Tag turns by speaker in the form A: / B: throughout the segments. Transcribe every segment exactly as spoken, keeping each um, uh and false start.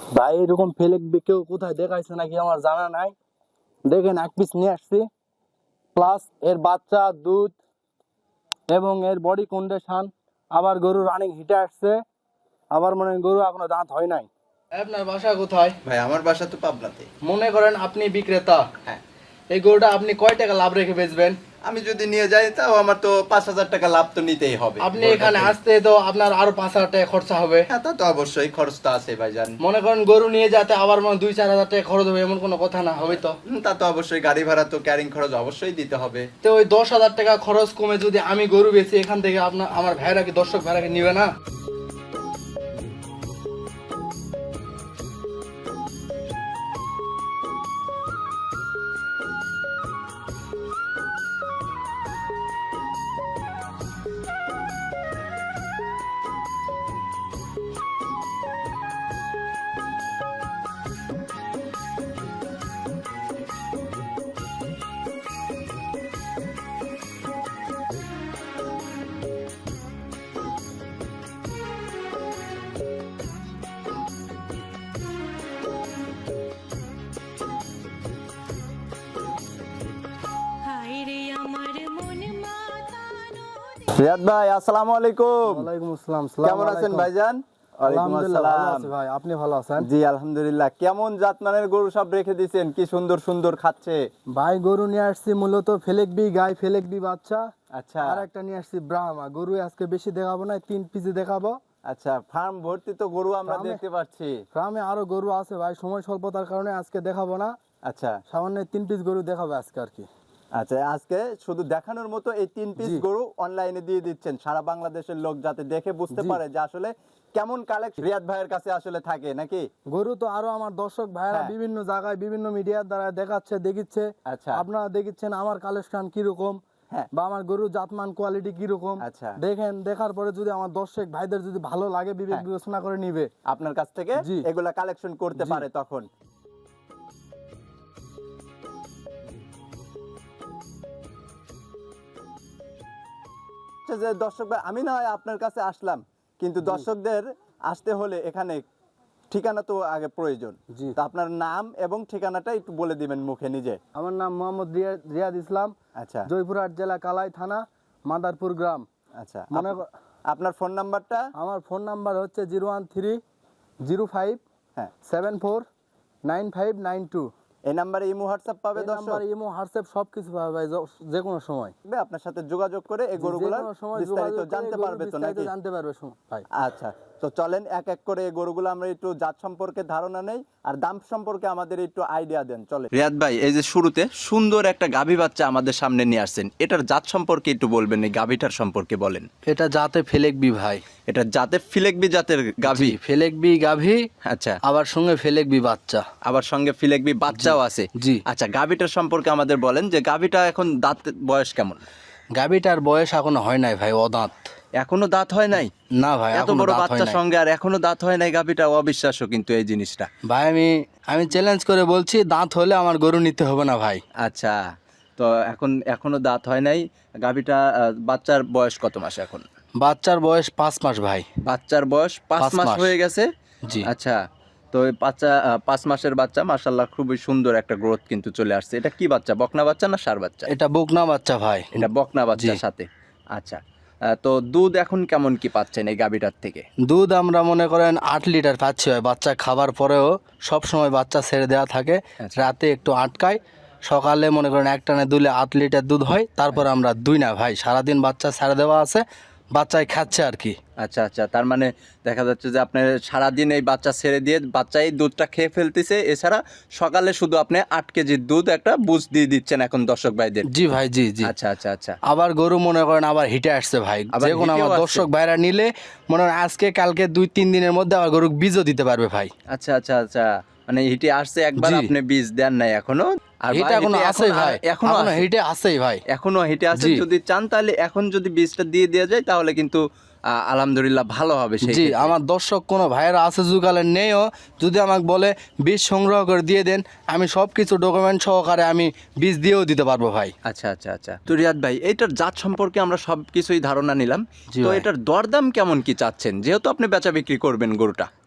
A: ভাই এরকম ফেলেক কেউ কোথায় দেখাইছে নাকি আমার জানা নাই। দেখেন এক পিস নিয়ে আসছি, প্লাস এর বাচ্চা, দুধ এবং এর বডি কন্ডিশন। আবার গরু রানিং হিটে আসছে, আবার মনে হয় গরু এখনো দাঁত হয় নাই। আপনার বাসা কোথায়?
B: ভাই আমার বাসা তো পাবনাতে।
A: মনে করেন আপনি বিক্রেতা,
B: হ্যাঁ।
A: এই গরুটা আপনি কয় টাকা লাভ রেখে বেচবেন?
B: আমি যদি নিয়ে যাই তাও আমার তো পাঁচ হাজার টাকা লাভ তো নিতেই হবে।
A: আপনি এখানে আসতে তো আপনার আরো পাঁচ হাজার টাকা খরচা হবে।
B: হ্যাঁ তা তো অবশ্যই, খরচ তো আছে ভাইজান।
A: মনে করেন গরু নিয়ে যেতে আবার মানে দুই চার হাজার টাকা খরচ হবে, এমন কোনো কথা না হবে তো?
B: হুম, তা তো অবশ্যই, গাড়ি ভাড়া তো ক্যারিং খরচ অবশ্যই দিতে হবে।
A: তো ওই দশ হাজার টাকা খরচ কমে যদি আমি গরু বেচি এখান থেকে, আপনার আমার ভাইরা কি দর্শক ভাইরা কি নিবে না?
B: রিয়াদ ভাই আসসালামু আলাইকুম।
A: ওয়ালাইকুম আসসালাম।
B: কেমন আছেন ভাইজান?
A: আলহামদুলিল্লাহ ভালো আছি ভাই, আপনি ভালো আছেন?
B: জি আলহামদুলিল্লাহ। কেমন জাতমানের গরু সব রেখে দিয়েছেন, কি সুন্দর সুন্দর খাচ্ছে।
A: ভাই গরু নিয়ে আসছি মূলত ফেলেকবি গাই, ফেলেকবি বাচ্চা।
B: আচ্ছা।
A: আর একটা নিয়ে আসছি ব্রাহ্মা গরু। আজকে বেশি দেখাবো না, তিন পিসে দেখাবো।
B: আচ্ছা, ফার্ম ভর্তি তো গরু আমরা
A: ফার্মে-
B: দেখতে পাচ্ছি।
A: গ্রামে আরো গরু আছে ভাই, সময় স্বল্পতার কারণে আজকে দেখাবো না।
B: আচ্ছা
A: সামান্য তিন পিস গরু দেখাবো আজকে আর কি।
B: আচ্ছা, আজকে শুধু দেখানোর মতো এই তিন পিস
A: জি।
B: গরু অনলাইনে দিয়ে দিচ্ছেন সারা বাংলাদেশের লোক যাতে দেখে বুঝতে
A: জি।
B: পারে যে আসলে কেমন কালেকশন রিয়াদ ভাইয়ের কাছে আসলে থাকে নাকি।
A: গরু তো আরো আমার দর্শক ভাইরা
B: হ্যাঁ।
A: বিভিন্ন জায়গায় বিভিন্ন মিডিয়ার দ্বারা দেখাচ্ছে, দেখিচ্ছে।
B: আচ্ছা।
A: আপনারা দেখিচ্ছেন আমার কালেকশন কিরকম,
B: হ্যাঁ।
A: বা আমার গরু জাতমান কোয়ালিটি কিরকম।
B: আচ্ছা।
A: দেখেন, দেখার পরে যদি আমার দর্শক ভাইদের যদি ভালো লাগে, বিবেক
B: হ্যাঁ।
A: বিবেচনা করে নিবে।
B: আপনার কাছ থেকে
A: জি।
B: এগুলা কালেকশন করতে
A: জি।
B: পারে তখন। যে দর্শক ভাই, আমি না হয় আপনার কাছে আসলাম, কিন্তু দর্শকদের আসতে হলে এখানে ঠিকানা তো আগে প্রয়োজন।
A: জি।
B: তো আপনার নাম এবং ঠিকানাটা একটু বলে দিবেন মুখে নিজে।
A: আমার নাম মোহাম্মদ রিয়া- রিয়াদ ইসলাম,
B: আচ্ছা
A: জয়পুরহাট জেলা, কালাই থানা, মাদারপুর গ্রাম।
B: আচ্ছা,
A: মনে
B: আপ-
A: ক-
B: আপনার ফোন নাম্বারটা?
A: আমার ফোন নাম্বার হচ্ছে zero one three zero five
B: হ্যাঁ,
A: seven four nine five nine two.
B: এই নাম্বারে ইমো হোয়াটসঅ্যাপ পাবে দর্শক?
A: নাম্বার ইমো হোয়াটসঅ্যাপ সবকিছু পাবে ভাই, য- যে কোনো সময়।
B: আপনার সাথে যোগাযোগ করে এই
A: যে
B: গরুগুলার
A: কোনো সময়
B: বিস্তারিত
A: যোগাযোগ করে
B: জানতে
A: গরুর
B: পারবে তো
A: বিস্তারিত
B: নাকি?
A: জানতে পারবে সম- ভাই।
B: আচ্ছা, তো চলেন এক এক করে এই গরুগুলো আমরা একটু জাত সম্পর্কে ধারণা নেই আর দাম সম্পর্কে আমাদের একটু আইডিয়া দেন। চলে রিয়াদ ভাই, এই যে শুরুতে সুন্দর একটা গাভী বাচ্চা আমাদের সামনে নিয়ে আসছেন, এটার জাত সম্পর্কে একটু বলবেন, এই গাভীটার সম্পর্কে বলেন।
A: এটা জাতে ফেলেকবি ভাই।
B: এটা জাতে ফিলেকবি জাতের গাভী?
A: ফেলেকবি গাভী,
B: আচ্ছা,
A: আবার সঙ্গে ফেলেকবি বাচ্চা।
B: আবার সঙ্গে ফিলেকবি বাচ্চাও আছে?
A: জি।
B: আচ্ছা, গাভীটার সম্পর্কে আমাদের বলেন যে গাভীটা এখন দাঁত বয়স কেমন?
A: গাভীটার বয়স এখনো হয় নাই ভাই, অদাঁত।
B: এখনো দাঁত হয় নাই?
A: না ভাই,
B: এত বড় বাচ্চার সঙ্গে আর এখনো দাঁত হয় নাই গাভীটা, অবিশ্বাস্য কিন্তু এই জিনিসটা।
A: ভাই আমি আমি চ্যালেঞ্জ করে বলছি, দাঁত হলে আমার গরু নিতে হবে না ভাই।
B: আচ্ছা, তো এখন এখনো দাঁত হয় নাই গাভীটা। আহ, বাচ্চার বয়স কত মাস এখন?
A: বাচ্চার বয়স পাঁচ মাস ভাই।
B: বাচ্চার বয়স পাঁচ
A: পাঁচ
B: মাস
A: মাস।
B: হয়ে গেছে?
A: জি।
B: আচ্ছা, তো এই বাচ্চা আহ, পাঁচ মাসের বাচ্চা, মাশাআল্লাহ খুবই সুন্দর একটা গ্রোথ কিন্তু চলে আসছে। এটা কি বাচ্চা, বকনা বাচ্চা না ষাঁড় বাচ্চা?
A: এটা বকনা বাচ্চা ভাই।
B: এটা বকনা বাচ্চার
A: জি।
B: সাথে। আচ্ছা, আহ, তো দুধ এখন কেমন কি পাচ্ছেন এই গাভীটার থেকে?
A: দুধ আমরা মনে করেন আট লিটার পাচ্ছি ভাই। বাচ্চা খাবার পরেও সব সময় বাচ্চা ছেড়ে দেওয়া থাকে,
B: আচ্ছা।
A: রাতে একটু আটকায়, সকালে মনে করেন এক টানে দুলে আট লিটার দুধ হয়। তারপর আমরা দুই না ভাই, সারাদিন বাচ্চা ছেড়ে দেওয়া আছে, বাচ্চায় খাচ্ছে আর কি।
B: আচ্ছা আচ্ছা, তার মানে দেখা যাচ্ছে যে আপনি সারাদিন এই বাচ্চা ছেড়ে দিয়ে বাচ্চাই দুধটা খেয়ে ফেলতেছে, এছাড়া সকালে শুধু আপনি আট কেজির দুধ একটা বুঝ দিয়ে দিচ্ছেন এখন দর্শক ভাইদের।
A: জি ভাই, জি জি।
B: আচ্ছা আচ্ছা আচ্ছা,
A: আবার গরু মনে করেন আবার হিটে আসছে ভাই।
B: আবার
A: যে কোনো
B: হিটেও
A: আমার
B: আসছে?
A: দর্শক ভাইরা নিলে মনে করেন আজকে কালকে দুই তিন দিনের মধ্যে আবার গরু বীজও দিতে পারবে ভাই।
B: আচ্ছা আচ্ছা আচ্ছা, মানে হিটে আসছে একবার,
A: জি।
B: আপনি বীজ দেন নাই এখনো? আর
A: হিটে
B: ভাই,
A: এখনো
B: হিটে
A: আছেই
B: এখন-
A: ভাই,
B: এখনো
A: এখনো
B: আছে?
A: হিটে আছেই ভাই।
B: এখনো হিটে আছে?
A: জি।
B: যদি চান তাহলে এখন যদি বীজটা দিয়ে দেওয়া যায় তাহলে কিন্তু আহ, আলহামদুলিল্লাহ ভালো হবে সেই
A: জি,
B: ক্ষেত্রে।
A: আমার দর্শক কোনো ভাইয়েরা আছে যুগালের নেইও, যদি আমাকে বলে বীজ সংগ্রহ করে দিয়ে দেন, আমি সব কিছু ডকুমেন্ট সহকারে আমি বীজ দিয়েও দিতে পারবো ভাই।
B: আচ্ছা আচ্ছা আচ্ছা, তো রিয়াদ ভাই, এইটার জাত সম্পর্কে আমরা সব কিছুই ধারণা নিলাম।
A: জি
B: তো
A: ভাই।
B: এটার দরদাম কেমন কি চাচ্ছেন, যেহেতু আপনি বেচা বিক্রি করবেন গরুটা?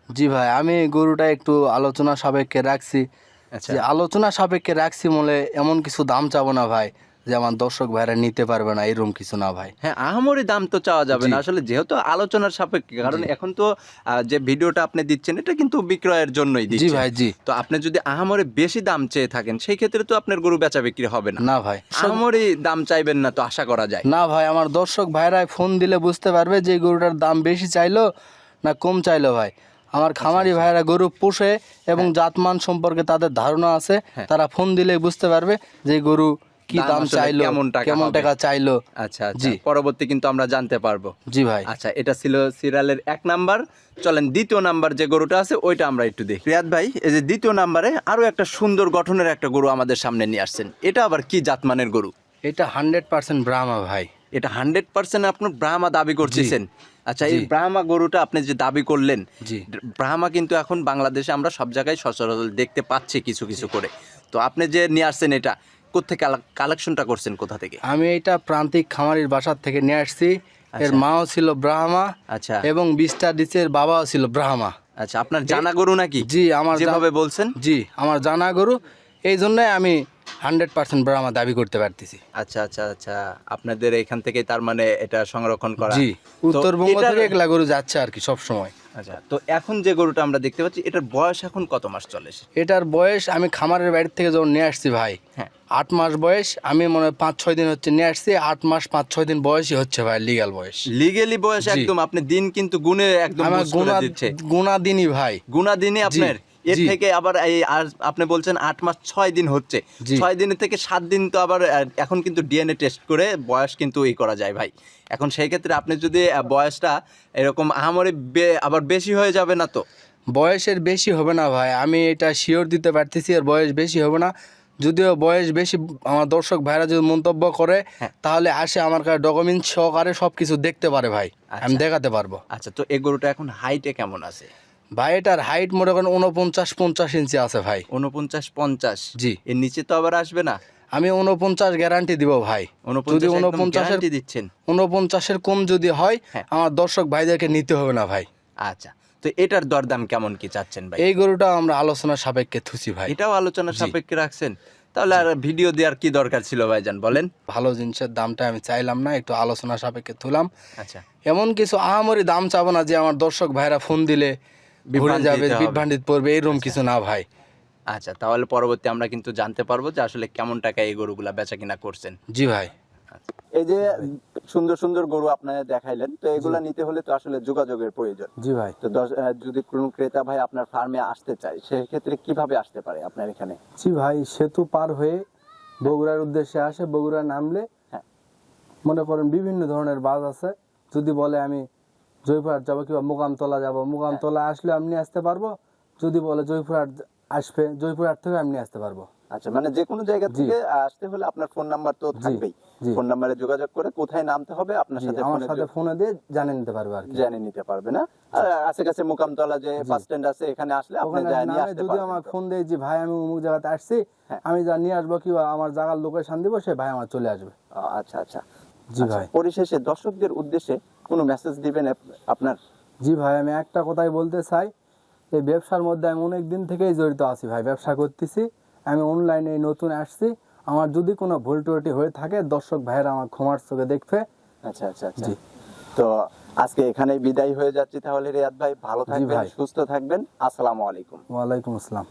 A: জি ভাই, আমি গরুটা একটু আলোচনা সাপেক্ষে রাখছি।
B: আচ্ছা
A: যে আলোচনা সাপেক্ষে রাখছি বলে এমন কিছু দাম চাবো না ভাই যে আমার দর্শক ভাইরা নিতে পারবে না, এরকম কিছু না ভাই।
B: হ্যাঁ, আহামরি দাম তো চাওয়া যাবে
A: জি।
B: না আসলে, যেহেতু আলোচনার সাপেক্ষে, কারণ
A: জি।
B: এখন তো আহ, যে ভিডিওটা আপনি দিচ্ছেন এটা কিন্তু বিক্রয়ের জন্যই
A: জি
B: দিচ্ছেন।
A: ভাই, জি।
B: তো আপনি যদি আহামরি বেশি দাম চেয়ে থাকেন সেই ক্ষেত্রে তো আপনার গরু বেচা বিক্রি হবে না।
A: না ভাই, সব-
B: আহামরি দাম চাইবেন না তো আশা করা যায়।
A: না ভাই, আমার দর্শক ভাইরাই ফোন দিলে বুঝতে পারবে যে এই গরুটার দাম বেশি চাইলো না কম চাইলো ভাই। আমার খামারি ভাইরা গরু পোষে এবং জাতমান সম্পর্কে তাদের ধারণা আছে,
B: হ্যাঁ।
A: তারা ফোন দিলে বুঝতে পারবে যে এই গরু কি
B: দাম
A: দাম
B: আসলে
A: চাইলো,
B: কেমন টাকা
A: কেমন
B: হবে।
A: টাকা চাইলো।
B: আচ্ছা আচ্ছা,
A: জি।
B: পরবর্তী কিন্তু আমরা জানতে পারবো।
A: জি ভাই।
B: আচ্ছা, এটা ছিল সিরিয়ালের এক নাম্বার। চলেন দ্বিতীয় নাম্বার যে গরুটা আছে ওইটা আমরা একটু দেখি। রিয়াদ ভাই, এই যে দ্বিতীয় নাম্বারে আরো একটা সুন্দর গঠনের একটা গরু আমাদের সামনে নিয়ে আসছেন, এটা আবার কি জাতমানের গরু?
A: এটা হান্ড্রেড পার্সেন্ট ব্রাহ্মা ভাই।
B: এটা হান্ড্রেড পার্সেন্ট আপনার ব্রাহ্মা দাবি করতেছেন? আচ্ছা, এই
A: জি।
B: ব্রাহ্মা গরুটা আপনি যে দাবি করলেন,
A: জি।
B: ব্রাহ্মা কিন্তু এখন বাংলাদেশে আমরা সব জায়গায় সচরাচর দেখতে পাচ্ছি কিছু কিছু করে। তো আপনি যে নিয়ে আসছেন এটা কোত্থেকে কালেকশনটা করছেন, কোথা থেকে?
A: আমি এটা প্রান্তিক খামারির বাসার থেকে নিয়ে আসছি। এর
B: আচ্ছা।
A: মাও ছিল ব্রাহ্মা
B: আচ্ছা
A: এবং বিশটা ডিচের বাবাও ছিল ব্রাহ্মা।
B: আচ্ছা, আপনার জানা গরু নাকি?
A: জি, আমার জান-
B: যেভাবে বলছেন।
A: জি, আমার জানা গরু, এই জন্যই আমি হান্ড্রেড পার্সেন্ট ব্রাহ্মা দাবি করতে পারতেছি।
B: আচ্ছা আচ্ছা আচ্ছা, আপনাদের এখান থেকে তার মানে এটা সংরক্ষণ করা।
A: জি,
B: তো
A: উত্তরবঙ্গ
B: এটার-
A: থেকে এগুলা গরু যাচ্ছে আর কি সব সময়।
B: আচ্ছা, তো এখন যে গরুটা আমরা দেখতে পাচ্ছি এটার বয়স এখন কত মাস চলে?
A: এটার বয়স আমি খামারের বাড়ি থেকে যখন নিয়ে আসছি ভাই,
B: হ্যাঁ।
A: আট মাস বয়স। আমি মনে হয় পাঁচ ছয় দিন হচ্ছে নিয়ে আসছি, আট মাস পাঁচ ছয় দিন বয়সই হচ্ছে ভাই, লিগ্যাল বয়স।
B: লিগেলি বয়স
A: জি।
B: একদম আপনি দিন কিন্তু গুণে একদম
A: আমার
B: বুঝ করে
A: গুণা
B: দিচ্ছে।
A: গুণা দিনই ভাই।
B: গুণা দিনে আপনার এর
A: জি।
B: থেকে আবার এই আর আপনি বলছেন আট মাস ছয় দিন হচ্ছে,
A: জি।
B: ছয় দিনের থেকে সাত দিন তো আবার আহ, এখন কিন্তু ডিএনএ টেস্ট করে বয়স কিন্তু এই করা যায় ভাই। এখন সেই ক্ষেত্রে আপনি যদি আহ, বয়সটা এরকম আহামরি বে- আবার বেশি হয়ে যাবে না তো?
A: বয়সের বেশি হবে না ভাই, আমি এটা শিওর দিতে পারতেছি এর বয়স বেশি হবে না। যদিও বয়স বেশি আমার দর্শক ভাইরা যদি মন্তব্য করে,
B: হ্যাঁ।
A: তাহলে আসে আমার কাছে ডকুমেন্ট সহকারে সব কিছু দেখতে পারে ভাই, আমি
B: আচ্ছা।
A: দেখাতে পারবো।
B: আচ্ছা, তো এই গরুটা এখন হাইটে কেমন আছে?
A: ভাই এটার হাইট মনে করেন উনপঞ্চাশ পঞ্চাশ ইঞ্চি আছে ভাই।
B: উনপঞ্চাশ পঞ্চাশ?
A: জি।
B: এর নিচে তো আবার আসবে না?
A: আমি উনপঞ্চাশ গ্যারান্টি দিব ভাই। যদি
B: উনপঞ্চাশ একদম
A: উনপঞ্চাশের
B: গ্যারান্টি দিচ্ছেন?
A: উনপঞ্চাশের কম যদি হয়,
B: হ্যাঁ।
A: আমার দর্শক ভাইদেরকে নিতে হবে না ভাই।
B: আচ্ছা, তো এটার দরদাম কেমন কি চাচ্ছেন ভাই?
A: এই গরুটা আমরা আলোচনা সাপেক্ষে থুছি ভাই।
B: এটাও আলোচনা
A: জি।
B: সাপেক্ষে রাখছেন? তাহলে আর ভিডিও দেওয়ার কি দরকার ছিল ভাইজান, বলেন?
A: ভালো জিনিসের দামটা আমি চাইলাম না, একটু আলোচনা সাপেক্ষে তুলাম।
B: আচ্ছা,
A: এমন কিছু আহামরি দাম চাবো না যে আমার দর্শক ভাইরা ফোন দিলে ঘুরে
B: বিভ্রান্তিতে
A: যাবে,
B: হবে।
A: বিভ্রান্তিত পড়বে, এরকম কিছু না ভাই।
B: আচ্ছা, তাহলে পরবর্তী আমরা কিন্তু জানতে পারবো যে আসলে কেমন টাকায় এই গরুগুলা বেচা কিনা করছেন।
A: জি ভাই।
B: এই যে সুন্দর সুন্দর গরু আপনারা দেখাইলেন, তো এগুলা নিতে হলে তো আসলে যোগাযোগের প্রয়োজন।
A: জি ভাই।
B: তো দশ- আহ, যদি কোনো ক্রেতা ভাই আপনার ফার্মে আসতে চায় সেক্ষেত্রে কিভাবে আসতে পারে আপনার এখানে?
A: জি ভাই, সেতু পার হয়ে বগুড়ার উদ্দেশ্যে আসে, বগুড়া নামলে
B: হ্যাঁ।
A: মনে করেন বিভিন্ন ধরনের বাস আছে। যদি বলে আমি জয়পুরহাট যাবো কিংবা মোকামতলা যাবো, মোকামতলা আসলে আমি নিয়ে আসতে পারবো। যদি বলে জয়পুরহাট আসবে, জয়পুরহাট থেকে আমি নিয়ে আসতে পারবো।
B: আচ্ছা, মানে যে কোনো জায়গা
A: জি।
B: থেকে আসতে হলে আপনার ফোন নাম্বার তো থাকবেই,
A: জি।
B: ফোন নাম্বারে যোগাযোগ করে কোথায় নামতে হবে আপনার
A: জি,
B: সাথে
A: আমার
B: ফোনে
A: সাথে
B: যোগ-
A: ফোনে দিয়ে জানিয়ে নিতে পারবে আর কি।
B: জেনে নিতে পারবে না? আর আশেপাশে মোকামতলা যে বাস স্ট্যান্ড আছে এখানে আসলে আপনি
A: ওখানে
B: যা নিয়ে
A: নামে
B: আসতে
A: যদি
B: পারবেন
A: আমার
B: তো?
A: ফোন দেয় যে ভাই আমি অমুক জায়গাতে আসছি,
B: হ্যাঁ।
A: আমি যা নিয়ে আসবো কিংবা আমার জায়গার লোকেশন দিব, সে ভাই আমার চলে আসবে।
B: ও, আচ্ছা আচ্ছা।
A: জি
B: আচ্ছা,
A: ভাই।
B: পরিশেষে দর্শকদের উদ্দেশ্যে কোনো মেসেজ দিবেন আপ- আপনার?
A: জি ভাই, আমি একটা কথাই বলতে চাই, এই ব্যবসার মধ্যে আমি অনেক দিন থেকেই জড়িত আছি ভাই, ব্যবসা করতেছি। আমি অনলাইনে নতুন আসছি, আমার যদি কোনো ভুল ত্রুটি হয়ে থাকে দর্শক ভাইয়েরা আমার ক্ষমার চোখে দেখবে।
B: আচ্ছা আচ্ছা আচ্ছা।
A: জি।
B: তো আজকে এখানেই বিদায় হয়ে যাচ্ছি তাহলে। রিয়াদ ভাই ভালো
A: জি
B: থাকবেন,
A: ভাই।
B: সুস্থ থাকবেন। আসসালামু আলাইকুম।
A: ওয়ালাইকুম আসসালাম।